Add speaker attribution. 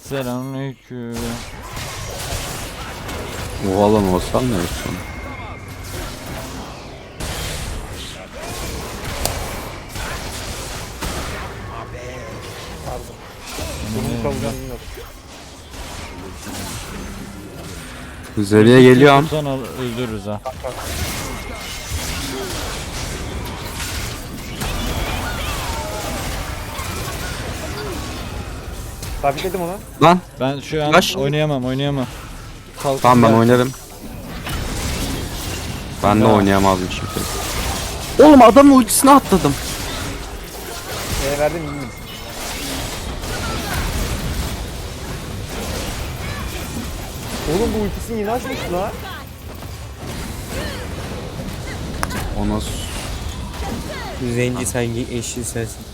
Speaker 1: Selamünaleyküm.
Speaker 2: Oha lan o hasar ne yapıyorsun?
Speaker 3: Pardon. Bunu savunacağım bilmiyorum.
Speaker 2: Üzeriye geliyorum.
Speaker 1: Tutan öldürürüz ha.
Speaker 3: Sabitledim ona.
Speaker 2: Lan
Speaker 1: Ben şu an
Speaker 2: Kaç?
Speaker 1: oynayamam. Kalk.
Speaker 2: tamam ben
Speaker 1: gel.
Speaker 2: oynarım. Ben de
Speaker 1: Ya.
Speaker 2: oynayamazdım şimdi. Oğlum adamın ultisine atladım.
Speaker 3: Verdim iyiyim. Oğlum bu ultisini yeni açmış lan.
Speaker 2: O nasıl?
Speaker 4: Zenci sanki eşin sensin.